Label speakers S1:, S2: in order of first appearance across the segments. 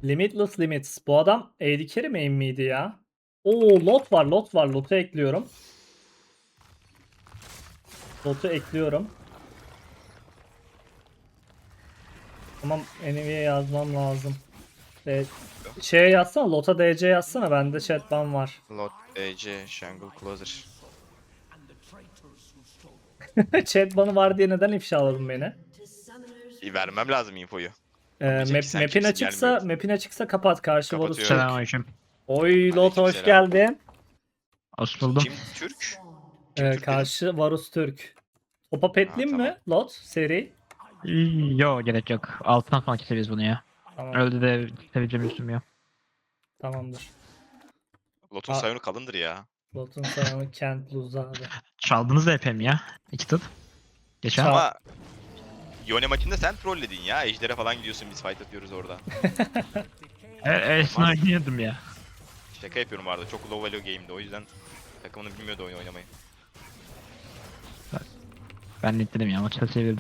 S1: Limitless Limits. Bu adam AD Carry main miydi ya? Oo, lot var, lot var. Lot'u ekliyorum. Lot'u ekliyorum. Tamam, enemy'ye yazmam lazım. Şeye yazsana, Lot'a DC yazsana. Bende chatban var.
S2: Lot EC Jungle Closer.
S1: Chatbanı var diye neden ifşaladın beni?
S2: Vermem lazım infoyu. Anlayacak ki sen
S1: Map'in
S2: kimsin
S1: açıksa,
S2: gelmiyorum.
S1: kapat. Karşı Varus
S2: Kapatıyorum.
S1: Türk.
S3: Selamünaleyküm.
S1: Oy Lot, hoş
S2: Aleykümselam.
S1: geldin.
S3: Hoş buldum.
S2: Kim Türk? Kim Türk dedin?
S1: Karşı Varus Türk. Topa petleyeyim
S2: tamam.
S1: mi Lot seri?
S3: Yo, gerek yok. Alttan falan keseriz bunu ya.
S1: Tamam,
S3: Öyle de kesebileceğim üstüm ya.
S1: tamamdır.
S2: Lot'un
S1: Aa.
S2: sayını kalındır ya.
S1: Lot'un sayımı Kent Luz abi.
S3: Çaldınız da epey mi ya? İki tıp. Geçen.
S1: Çal-
S2: Ama Yone maçında sen trolledin ya. Ejder'e falan gidiyorsun, biz fight atıyoruz orada.
S3: Esna oynuyordum ya.
S2: Şaka yapıyorum bu arada. Çok low value game'di, o yüzden takımını bilmiyordu oyun oynamayı.
S3: Ben netledim ya, maçta sevirdim.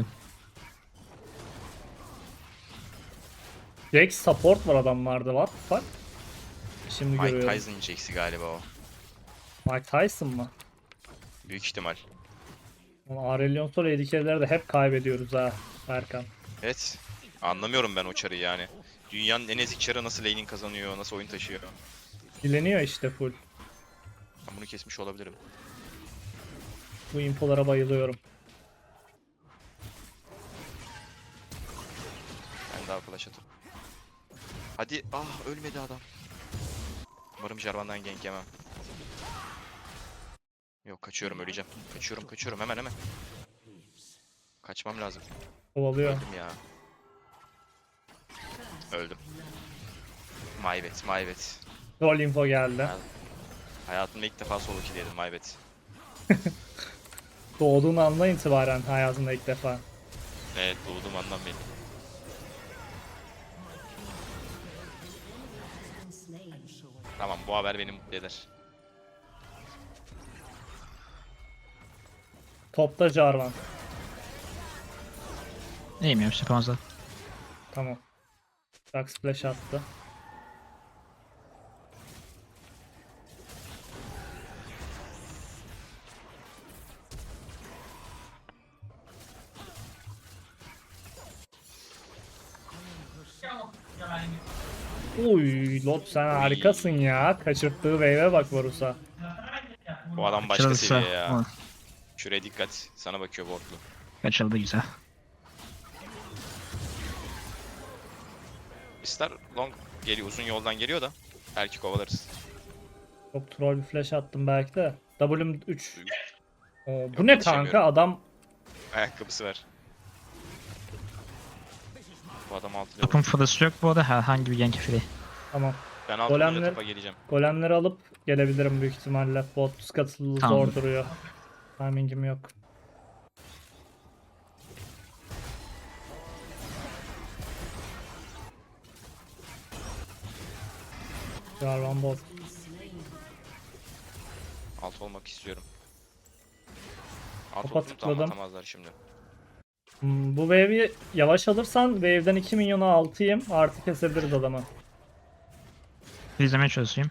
S1: Jax support var adamlarda, what the fuck? Şimdi
S2: Mike
S1: görüyorum.
S2: Tyson Jax'i galiba o.
S1: Mike Tyson mı?
S2: Büyük ihtimal.
S1: Aurelion Sol AD de hep kaybediyoruz ha Erkan.
S2: Evet. Anlamıyorum ben o çarı yani. Dünyanın en ezik çarı nasıl laning kazanıyor, nasıl oyun taşıyor.
S1: Dileniyor işte full.
S2: Ben bunu kesmiş olabilirim.
S1: Bu infolara bayılıyorum.
S2: Ben daha flash atıp. Hadi, ölmedi adam. Umarım Jarvan'dan gank yemem. Yok, kaçıyorum, öleceğim. Kaçıyorum hemen. Kaçmam lazım.
S1: Kovalıyor.
S2: Öldüm ya. Öldüm. My bad.
S1: Troll info geldi.
S2: Hayatımda ilk defa solo kill yedim, my bad.
S1: Doğduğun andan itibaren hayatında ilk defa.
S2: Evet, doğduğum andan beri. Tamam, bu haber beni mutlu eder.
S1: Topta Jarvan.
S3: Neyim ya, fazla.
S1: Tamam. Dark Splash attı. Uy, Lot sen harikasın ya. Kaçırttığı wave'e bak Varus'a.
S2: Bu adam başka
S3: Açılırsa.
S2: seviye ya.
S3: Hı,
S2: Şuraya dikkat, sana bakıyor Wardlu.
S3: kaçıldı güzel.
S2: Star long geliyor, uzun yoldan geliyor da. Belki kovalarız.
S1: Çok troll bir flash attım belki de. W'm 3. Bu
S2: Yok,
S1: ne
S2: yetişemiyorum.
S1: kanka, adam
S2: Ayakkabısı var. Bu adam altı level.
S3: Topun fırısı yok bu arada, herhangi bir gank free.
S1: tamam.
S2: Ben altı level
S1: Golemler-
S2: topa geleceğim.
S1: Golemleri alıp gelebilirim büyük ihtimalle. Bot scuttle'ı
S3: Tamam.
S1: zor duruyor. Timing'im yok. Jarvan bot.
S2: Alt olmak istiyorum. Alt
S1: Topa
S2: olduğunu da
S1: tıkladım.
S2: anlatamazlar şimdi.
S1: Bu wave'i yavaş alırsan wave'den 2 milyona 6'yım. Artı kesebiliriz adamı.
S3: İzlemeye çalışayım.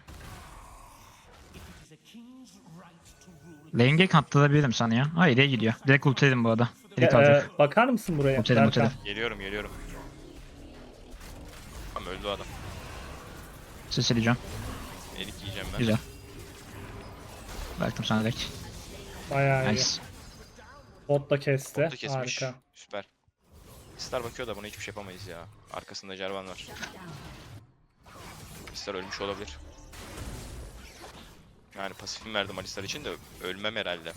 S3: Lane gank attırabilirim sana ya. Hayır, iyi gidiyor. Direkt ultiledim bu arada. Direkt alacak.
S1: Bakar mısın buraya?
S3: Otelim,
S1: Berkan?
S3: otelim.
S2: Geliyorum. Tamam, öldü o adam.
S3: Ses edeceğim.
S2: Elik yiyeceğim ben.
S3: Güzel. Bıraktım sana direkt.
S1: Bayağı iyi.
S3: Nice.
S1: Bot da kesti.
S2: Botu kesmiş.
S1: Harika.
S2: Süper. Star bakıyor da buna hiçbir şey yapamayız ya. Arkasında Jarvan var. Star ölmüş olabilir. Yani pasifimi verdim Alistar için de ölmem herhalde.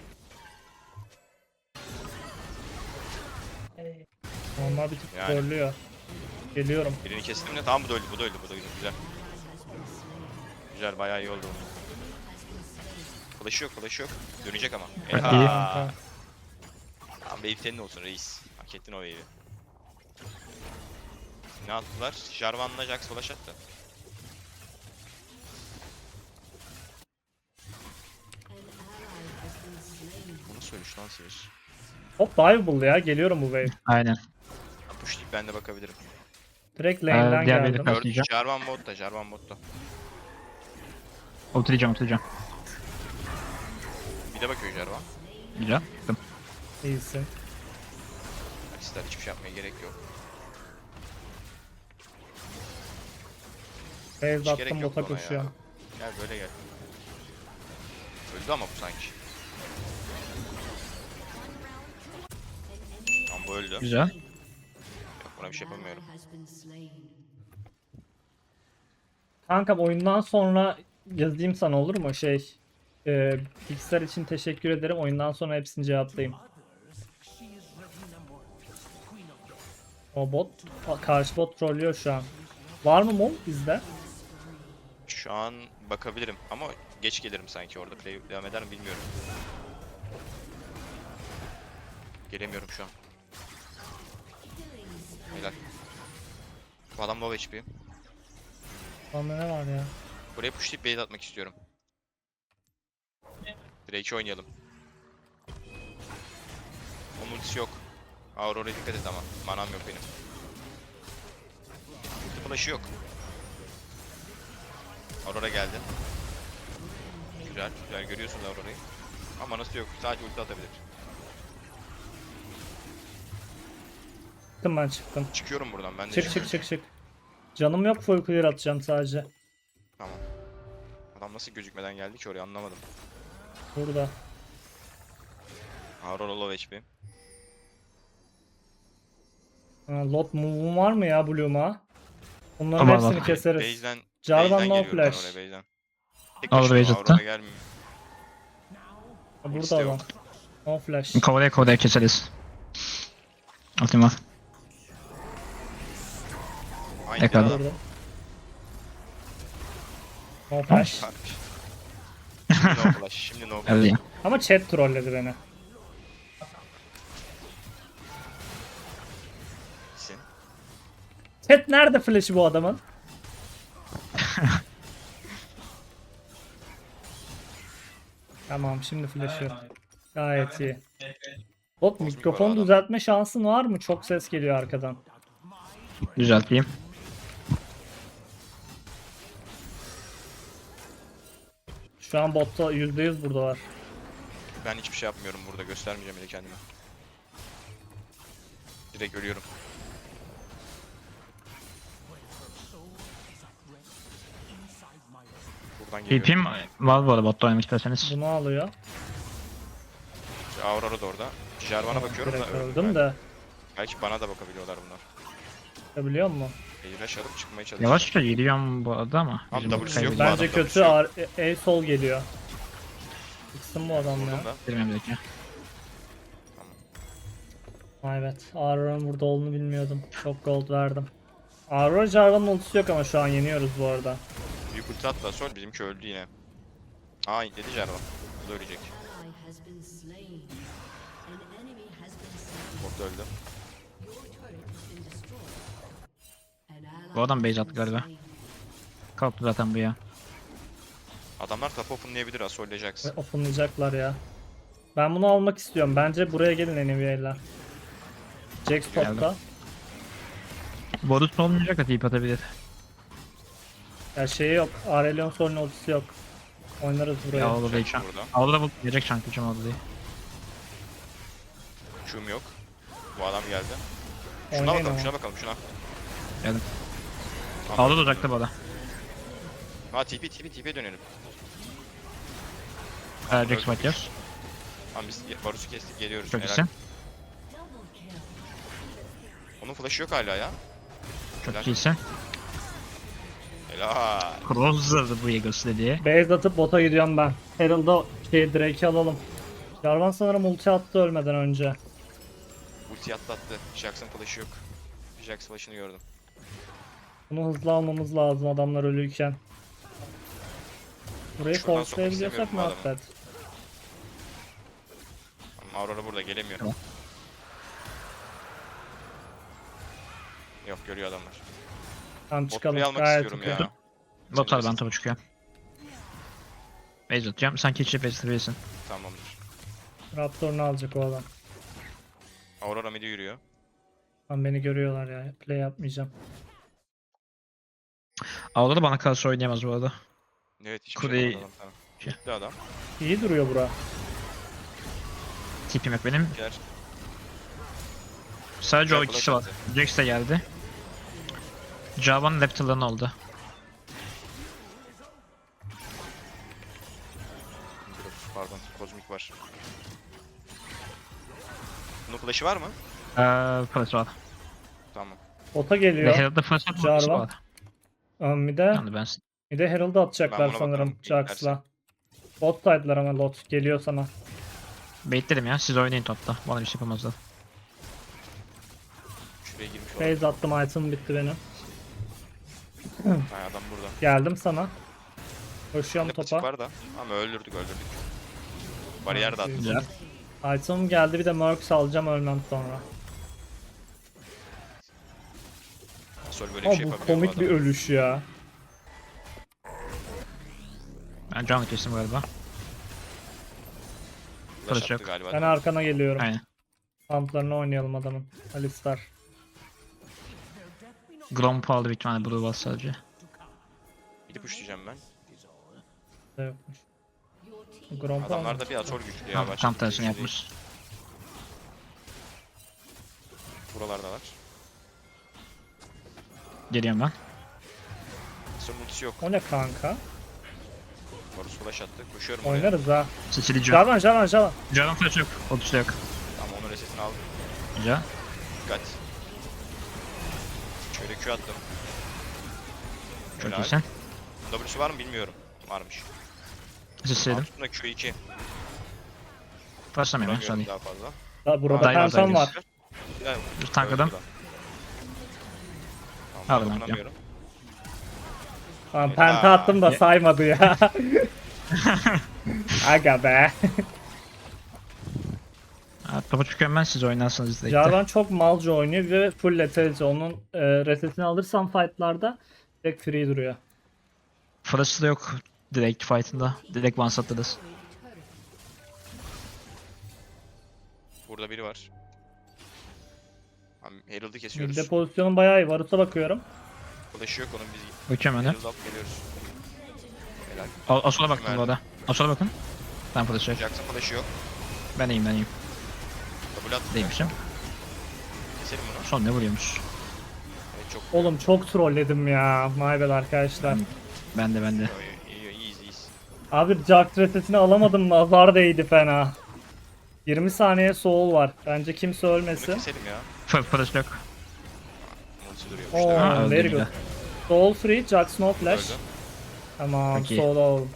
S1: Onlar bir tık
S2: Yani.
S1: trollüyor. Geliyorum.
S2: Birini kestim de tamam, bu da öldü. Güzel. Güzel, bayağı iyi oldu. Flash'ı yok. Dönecek ama.
S3: Evet,
S2: Eha.
S3: iyi.
S1: Kanka.
S2: Tamam, wave senin olsun reis. Hak ettin o wave'i. Ne attılar? Jarvan'la Jax flash attı. Bunu söylemiş lan Sears.
S1: Hop diveable ya. Geliyorum bu wave.
S3: Aynen.
S2: Pushlayıp ben de bakabilirim.
S1: Direkt lane'den
S3: diğer biri
S1: geldim.
S3: kaldı.
S2: Gördüm.
S3: Atlayacağım.
S2: Jarvan botta, Jarvan botta.
S3: Ultileyeceğim.
S2: Bir de bakıyor Jarvan.
S3: Güzel. Gittim.
S1: İyisin.
S2: Alistar hiçbir şey yapmaya gerek yok.
S1: Base
S2: Hiç gerek
S1: attım
S2: yok
S1: bota
S2: ona ya.
S1: koşuyorum.
S2: Gel böyle gel. Öldü ama bu sanki. Tamam bu öldü.
S3: Güzel.
S2: Yok buna bir şey yapamıyorum.
S1: Kankam oyundan sonra yazayım sana olur mu? Pixar için teşekkür ederim. Oyundan sonra hepsini cevaplayayım. O bot, karşı bot trollüyor şu an. Var mı mum bizde?
S2: Şu an bakabilirim ama geç gelirim sanki orada. Play devam eder mi bilmiyorum. Gelemiyorum şu an. Helal. Bu adam low HP.
S1: Bende ne var ya?
S2: Buraya pushlayıp bait atmak istiyorum. Drake'i oynayalım. Onun ultisi yok. Aurora'ya dikkat et ama. Manam yok benim. Ulti flash'ı yok. Aurora geldi. Güzel, güzel görüyorsunuz Aurora'yı. Ama nasıl yok? Sadece ulti atabilir.
S1: Çıktım ben çıktım.
S2: Çıkıyorum buradan ben de.
S1: Çık çık çık çık. Canım yok, full clear atacağım sadece.
S2: Tamam. Adam nasıl gözükmeden geldi ki oraya anlamadım.
S1: Burada.
S2: Aurora low HP.
S1: Lot move'um var mı ya Bloom'a? Bunların
S3: Var, var.
S1: hepsini keseriz.
S2: Base'den
S1: Jarvan no
S2: geliyorum ben
S1: flash.
S2: oraya base'den. Tek
S3: Al
S2: başına
S3: base
S2: Aurora
S3: attı.
S2: gelmiyor.
S1: Burada
S2: Ultisi de
S1: adam.
S2: yok.
S1: No flash.
S3: Kovalaya keseriz. Ultim var.
S2: Aynı
S3: Yakaladı.
S2: adam.
S1: Burada. No flash.
S2: Şimdi no flash, şimdi no flash.
S3: Geldi ya.
S1: Ama chat trolledi beni.
S2: Sin.
S1: Chat nerede flash'ı bu adamın? Tamam şimdi flash yok. Gayet iyi. Bot mikrofonu
S2: adam.
S1: düzeltme şansın var mı? Çok ses geliyor arkadan.
S3: Düzelteyim.
S1: Şu an botta %100 burada var.
S2: Ben hiçbir şey yapmıyorum burada. Göstermeyeceğim bile kendimi. Direkt ölüyorum. Buradan geliyorum.
S3: TP'm var bu arada botta oynamak isterseniz.
S1: Bunu alıyor.
S2: Aurora da orada. Jarvan'a bakıyorum da
S1: Direkt
S2: öldüm
S1: öldüm
S2: ben.
S1: de.
S2: Belki bana da bakabiliyorlar bunlar.
S1: Biliyor musun?
S2: Flash alıp çıkmaya çalışıyorum.
S3: Yavaşça geliyorum bu arada ama.
S2: Abi
S3: bizim
S2: W'su yok.
S3: kaybedeceğiz.
S2: Bu
S1: Bence
S2: adamda bir
S1: kötü.
S2: şey yok.
S1: sol geliyor. Çıksın bu adam ya.
S2: Vurdum da.
S3: Bilmem bir dakika.
S1: Ay evet. Aurora'nın burada olduğunu bilmiyordum. Çok gold verdim. Aurora Jarvan'ın ultisi yok ama şu an yeniyoruz bu arada.
S2: Büyük ulti atla sol. Bizimki öldü yine. Aa dedi Jarvan. Bu da ölecek. Bot da öldü.
S3: Bu adam base attı galiba. Kalktı zaten bu ya.
S2: Adamlar top openlayabilir Asol Jax.
S1: Ve openlayacaklar ya. Ben bunu almak istiyorum. Bence buraya gelin NVA'ler. Jax topta.
S3: Borus olmayacak da TP atabilir.
S1: Ya şeyi yok. Aurelion sorunun ultisi yok. Oynarız buraya.
S3: Ya orada değil
S2: Jax
S3: şu an.
S2: burada.
S3: Orada bu gelecek şanklıcım orada değil.
S2: Q'm yok. Bu adam geldi. Şuna
S1: Oynayın
S2: bakalım,
S1: ama.
S2: şuna bakalım, şuna.
S3: Geldim.
S2: Tamam.
S3: Aldı da uzakta bu arada.
S2: Ha TP dönelim.
S3: Jax fight yaz.
S2: Tamam biz Varus'u kestik geliyoruz.
S3: Çok
S2: Helal.
S3: iyisin.
S2: Onun flash'ı yok hala ya.
S3: Çok
S2: Helal.
S3: iyisin.
S2: Helal.
S3: Crosser'dı bu Eagles dediği.
S1: Base atıp bota gidiyorum ben. Herald'da Drake'i alalım. Jarvan sanırım ulti attı ölmeden önce.
S2: Ulti atlattı. Jax'ın flash'ı yok. Jax flash'ını gördüm.
S1: Bunu hızlı almamız lazım adamlar ölüyken. Burayı
S2: Şuradan sokmak
S1: forcelayabiliyorsak
S2: istemiyorum bu
S1: muhabbet.
S2: Ama Aurora burada gelemiyor.
S3: Tamam.
S2: Yok görüyor adamlar.
S1: Tamam çıkalım.
S2: Botlayı almak
S1: Gayet
S2: istiyorum
S1: okey.
S2: ya.
S3: Botar
S2: Senin
S3: ben topu çıkıyor. Base atacağım. Sanki içi base atabilirsin.
S2: Tamamdır.
S1: Raptor'unu alacak o adam.
S2: Aurora midi yürüyor.
S1: Lan beni görüyorlar ya. Play yapmayacağım.
S3: Orada da bana karşı oynayamaz bu arada.
S2: Evet hiçbir
S3: Kule-
S2: şey yapamadı adam sana.
S3: Şey.
S2: Gitti adam.
S1: İyi duruyor bura.
S3: Tipim yok benim.
S2: Gel.
S3: Sadece o
S2: Güzel
S3: ikisi var.
S2: flash
S3: Jax de geldi. Java'nın Raptor'ların oldu.
S2: Pardon, kozmik var. Bunun flash'ı var mı?
S3: Flash var.
S2: Tamam.
S1: Bota
S3: Ve
S1: geliyor.
S3: Herald'da flash var.
S1: Jarvan.
S3: Flash var.
S1: Bir de
S3: Yani ben
S1: Herald'ı
S2: Ben
S1: atacaklar
S2: buna
S1: sanırım
S2: bakarım,
S1: Jax'la. Bot side'lar ama Lot geliyor sana.
S3: baitledim ya. Siz oynayın topta. Bana bir şey yapamazlar.
S2: Şuraya girmiş olan.
S1: Phase attım, item bitti benim.
S2: Ha, adam burada.
S1: Geldim sana. Koşuyorum
S2: Ne patik
S1: topa.
S2: var da. Ama öldürdük. Bariyer de attı.
S3: Güzel.
S1: Item geldi, bir de Mercs alacağım ölmem sonra.
S2: Sol böyle bir
S1: Ama
S2: şey
S1: bu
S2: yapabiliyor
S1: komik bir ölüş ya.
S3: Ben can kestim galiba.
S2: Flash
S3: Flash
S2: attı
S3: yok.
S2: galiba.
S1: Ben arkana geliyorum.
S3: Aynen.
S1: Kamplarını oynayalım adamın. Alistar.
S3: Gromp aldı bir tane Blue var sadece.
S2: Gidip uçlayacağım ben.
S1: Da yokmuş. Grompa
S2: Adamlarda bir Asol güçlü ya.
S3: Tam,
S2: Başka
S3: tam
S2: bir
S3: tersini
S2: güçlü değil.
S3: yapmış.
S2: Buralarda var.
S3: Geliyorum ben.
S2: Son ultisi yok.
S1: O ne kanka?
S2: Varus flash attı. Koşuyorum oraya.
S1: Oynarız ha.
S3: Sicily Can.
S1: Jarvan, Jarvan, Jarvan.
S3: Jarvan flash yok. Ultisi yok.
S2: Tamam onun resetini aldım.
S3: Güzel.
S2: Dikkat. Şöyle Q attım.
S3: Çok
S2: Helal.
S3: iyisin.
S2: W'su var mı bilmiyorum. Varmış.
S3: Sicil'dim.
S2: Altında Q2.
S3: Flashlamıyorum ya.
S2: Vuramıyorum
S3: Sorry.
S2: daha fazla.
S1: Da burada
S3: Dive
S1: Phantom
S3: atayım.
S1: var.
S2: Ya,
S3: Dur tankladım.
S2: öldü da.
S3: Al
S2: Tamam,
S3: lan,
S2: dokunamıyorum.
S1: Tamam, penta attım da
S3: Ye-
S1: saymadı ya. Aga be.
S3: Ha, topu çıkıyorum ben, siz oynarsınız direkt.
S1: Jarvan çok malca oynuyor ve full lethality. Onun resetini alırsam fightlarda direkt free duruyor.
S3: Flash'ı da yok direkt fight'ında. Direkt one shot'ladız.
S2: Burada biri var. Tamam, Herald'ı kesiyoruz.
S1: Midde pozisyonum bayağı iyi. Varus'a bakıyorum.
S2: Flash'ı yok onun, biz
S3: Bakıyorum öyle.
S2: Herald alıp geliyoruz. Helal.
S3: Asol'a baktım bu arada. Asol'a bakın. Ben flash'ı yok.
S2: Jackson flash'ı yok.
S3: Ben iyiyim, ben iyiyim.
S2: Double attı.
S3: Değilmişim.
S2: Keselim bunu.
S3: Son ne vuruyormuş?
S2: Evet çok
S1: Oğlum çok trolledim ya. My bad arkadaşlar.
S3: Ben de.
S2: iyiyiz.
S1: Abi Jack resetini alamadım. Nazar değdi fena. 20 saniye soul var. Bence kimse
S2: Bunu
S1: ölmesin.
S2: keselim ya.
S3: Flash yok.
S2: Ulti duruyor.
S1: Oo,
S2: İşte
S3: Ha, öldü
S1: very
S3: bir
S1: good.
S3: de.
S1: Soul free, Jack no flash.
S2: öldü.
S1: Tamam,
S3: Peki.
S1: soul all.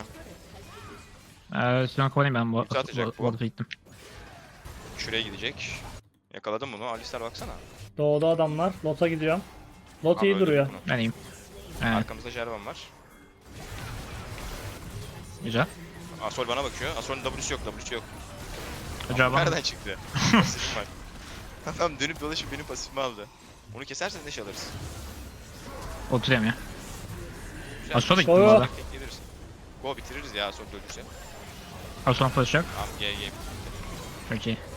S3: Şu an kovalayayım ben bu
S2: Ulti atacak bu.
S3: arada gittim.
S2: Şuraya gidecek. Yakaladım bunu. Alistar baksana.
S1: Doğuda adamlar. Lot'a gidiyorum. Lot
S2: Abi
S1: iyi
S2: öldürdük
S1: duruyor.
S2: bunu.
S3: Ben iyiyim. Evet,
S2: Arkamızda Jarvan var.
S3: güzel.
S2: Asol bana bakıyor. Asol'un W'su yok.
S3: Jarvan
S2: Nereden çıktı? Pasifim var. Adam dönüp dolaşıp benim pasifimi aldı. Onu kesersen ne şey alırız?
S3: oturuyorum ya.
S2: Güzel.
S3: Asol'a gittim
S1: Soyo.
S3: bu arada.
S2: Geliriz. Go bitiririz ya Asol ölürse.
S3: Asol'un flash yok.
S2: Tamam GG.
S3: Çok iyi.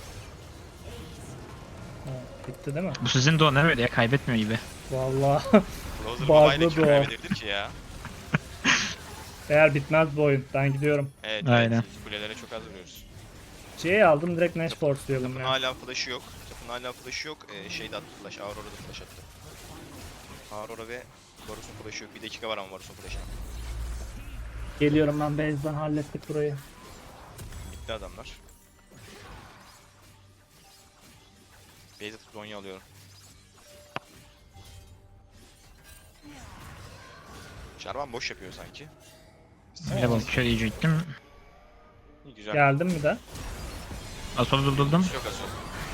S1: Ha, bitti değil mi?
S3: Bu sizin duo ne böyle ya, kaybetmiyor gibi.
S1: Vallahi
S2: Closer
S1: Bağlı
S2: Mobile'e kim
S1: duo.
S2: kaybedebilir ki ya?
S1: eğer bitmez bu oyun. Ben gidiyorum.
S2: Evet,
S3: Aynen.
S2: evet. Kulelere çok az vuruyoruz.
S1: C'yi aldım, direkt Nash force'layalım
S2: Tapın
S1: ya.
S2: hala flash'ı yok. Şeyde attı flash. Aurora'da flash attı. Aurora ve Varus'un flash'ı yok. 1 dakika var ama Varus'un flash'ına.
S1: Geliyorum ben, base'den hallettik burayı.
S2: Bitti adamlar. Base atıp Zonya alıyorum. Jarvan boş yapıyor sanki.
S3: Level kör yiyecektim.
S2: İyi güzel.
S1: Geldim mi de?
S3: Asol'u durdurdum.
S2: Yok Asol.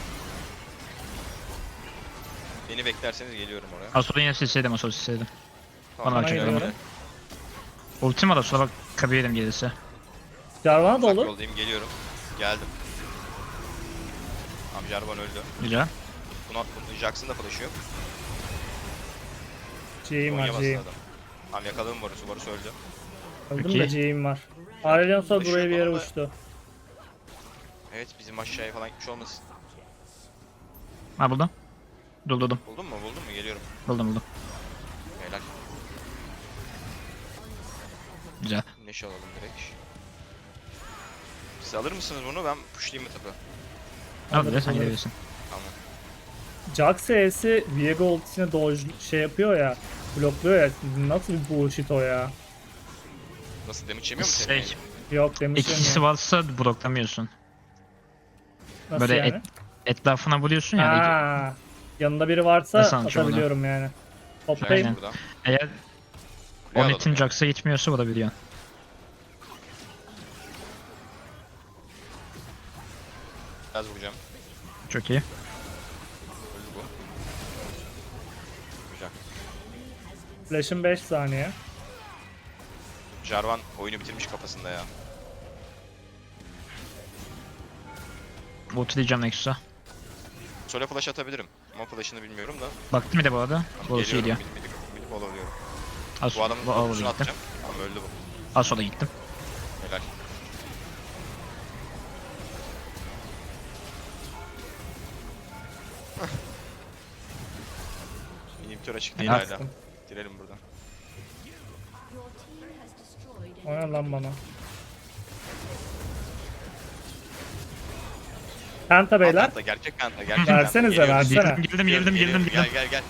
S2: Beni beklerseniz geliyorum oraya.
S3: Asol'u yine silseydim, Asol'u silseydim.
S2: Tamam,
S3: Bana
S2: ben
S1: geliyorum.
S2: geliyorum.
S3: Ultim var Asol'a bak, kabiyelim gelirse.
S1: Jarvan'a da
S2: Uzak
S1: olur.
S2: yoldayım, geliyorum. Geldim. Tamam Jarvan öldü.
S3: Güzel.
S2: Bunu Jackson da flash'ı yok.
S1: C'yim var,
S2: Zonya bastı
S1: C'yim.
S2: adam. Tamam yakaladım Varus'u. Varus öldü.
S1: Öldüm
S3: Peki.
S1: de C'yim var. Aurelion sonra
S2: Taşı
S1: buraya bir
S2: yok
S1: yere
S2: ama da-
S1: uçtu.
S2: Evet bizim aşağıya falan gitmiş olmasın.
S3: Ha buldum. Buldum.
S2: Buldun mu? Geliyorum.
S3: Buldum.
S2: Helal.
S3: Güzel.
S2: Neşe alalım direkt. Siz alır mısınız bunu? Ben pushlayayım mı tabi?
S3: Al sen
S1: alırız.
S3: gidebilirsin.
S2: Tamam.
S1: Jax E'si Viego ultisine dodge şey yapıyor ya. Blokluyor ya. Nasıl bir bullshit o ya.
S2: Nasıl damage yemiyor mu
S3: Şey,
S2: senin?
S1: Yok demiş
S3: ikisi varsa bloklamıyorsun.
S1: Nasıl
S3: böyle
S1: yani?
S3: Etrafına vuruyorsun ya.
S1: Ha, yanında biri varsa
S3: Nasıl anlatacağım onu?
S1: atabiliyorum yani.
S2: Aynen.
S1: Toplayayım.
S2: Burada.
S3: Eğer
S2: Buraya
S3: o
S2: alalım
S3: netin
S2: ya.
S3: Jax'a gitmiyorsa vurabiliyorsun.
S2: Biraz vuracağım.
S3: Çok iyi.
S2: Öldü bu. Güzel.
S1: Flash'ın 5 saniye.
S2: Jarvan oyunu bitirmiş kafasında ya.
S3: Ultileyeceğim Nexus'a.
S2: Sole flash atabilirim. Ama flash'ını bilmiyorum da.
S3: Baktı bir de bu arada. Borusu gidiyor.
S2: Mid alıyorum.
S3: Az
S2: Bu adamın
S3: bu
S2: ultisini
S3: gittim.
S2: atacağım. Ama öldü bu.
S3: Az sola gittim.
S2: Helal. İnhibitör açık değil
S3: Helal.
S2: hala. Girelim buradan.
S1: Oyna lan bana. Penta beyler.
S2: Penta, gerçek penta, gerçek
S1: Versenize,
S2: penta.
S1: versene.
S3: Girdim.
S2: Gel.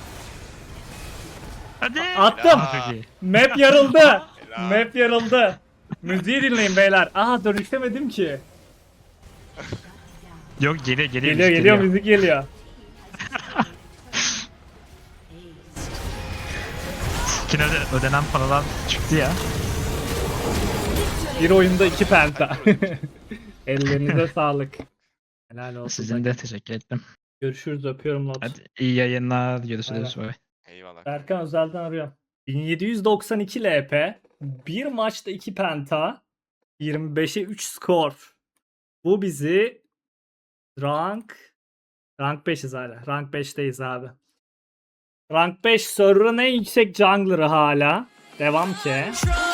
S3: Hadi.
S1: Attım.
S3: Çok iyi.
S1: Map yarıldı.
S2: Helal.
S1: Map yarıldı. Müziği dinleyin beyler. Aha dönüşemedim ki.
S3: Yok geliyor
S1: Geliyor müzik geliyor.
S3: Skin'e ödenen paralar çıktı ya.
S1: Bir oyunda 2 penta. Ellerinize sağlık. Helal olsun.
S3: Sizin de teşekkür ettim.
S1: Görüşürüz, öpüyorum Lot.
S3: Hadi iyi yayınlar. Görüşürüz. Bye.
S2: Eyvallah.
S1: Berkan özelden arıyor. 1792 LP. Bir maçta 2 penta. 25'e 3 skor. Bu bizi rank 5'iz hala. Rank 5'teyiz abi. Rank 5 server'ın en yüksek jungler'ı hala. Devam ki.